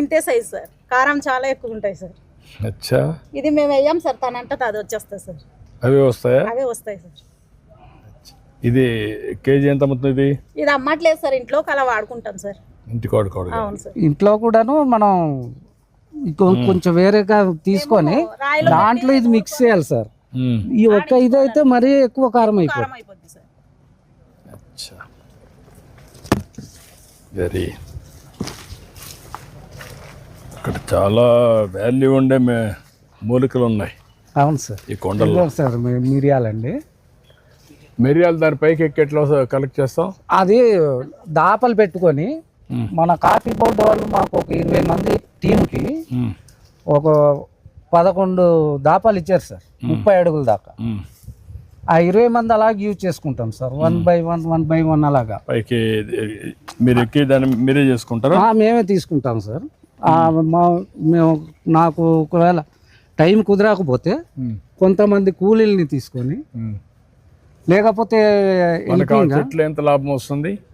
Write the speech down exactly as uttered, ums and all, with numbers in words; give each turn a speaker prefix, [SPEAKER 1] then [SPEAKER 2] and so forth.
[SPEAKER 1] ఇంతే size sir, కారం చాలా ఎక్కువ ఉంటాయి సార్.
[SPEAKER 2] అచ్చా,
[SPEAKER 1] ఇది మేము వేయం సార్, తనంటే అది వచ్చేస్తుంది సార్.
[SPEAKER 2] అవే వస్తాయా?
[SPEAKER 1] అవే వస్తాయి సార్.
[SPEAKER 2] ఇది కేజీ ఎంత అమ్ముతుంది ఇది?
[SPEAKER 1] ఇది అమ్మట్లేదు సార్, ఇంట్లో అలా వాడుకుంటాం సార్.
[SPEAKER 2] ఇంటికి వాడుకోవడం.
[SPEAKER 1] అవును సార్.
[SPEAKER 3] ఇంట్లో కూడాను మనం ఇంకొ- కొంచెం వేరేగా తీసుకొని
[SPEAKER 1] రాయిలో
[SPEAKER 3] దాంట్లో ఇది మిక్స్ చేయాలి సార్.
[SPEAKER 2] మ్మ్.
[SPEAKER 3] ఈ ఒక్క ఇదైతే మరీ ఎక్కువ కారం
[SPEAKER 1] కారం
[SPEAKER 3] అయిపోతుంది.
[SPEAKER 1] అయిపోద్ది సార్.
[SPEAKER 2] అచ్చా, వెరీ. ఇక్కడ చాలా వాల్యూ ఉండే మే మూలికలు ఉన్నాయి
[SPEAKER 3] అవును సార్.
[SPEAKER 2] ఈ కొండల్లో.
[SPEAKER 3] ఇదిగో సార్ మీ- మిరియాలండి.
[SPEAKER 2] మిరియాలు దాని పైకి ఎక్కి ఎట్లా కలెక్ట్ చేస్తాం?
[SPEAKER 3] అది దాపలు పెట్టుకొని మన కాఫీ బోర్డు వాళ్ళు మాకు ఒక ఇరవై మంది టీంకి
[SPEAKER 2] మ్మ్.
[SPEAKER 3] ఒక పదకొండు దాపాలు ఇచ్చారు సార్, ముప్పై అడుగుల దాకా.
[SPEAKER 2] మ్మ్.
[SPEAKER 3] ఆ ఇరవై మంది అలాగే యూజ్ చేసుకుంటాం sir, one by one one by one అలాగా.
[SPEAKER 2] పైకి మీరు ఎక్కి దాన్ని మీరే చేసుకుంటారా?
[SPEAKER 3] ఆ, మేమే తీసుకుంటాం సార్. ఆ, మా మేము నాకు ఒకవేళ టైం కుదరకపోతే
[SPEAKER 2] మ్మ్.
[SPEAKER 3] కొంతమంది కూలీల్ని తీసుకొని,
[SPEAKER 2] మ్మ్.
[SPEAKER 3] లేకపోతే
[SPEAKER 2] మనకు ఆ
[SPEAKER 3] helping గా
[SPEAKER 2] చెట్లు ఎంత లాభం వస్తుంది?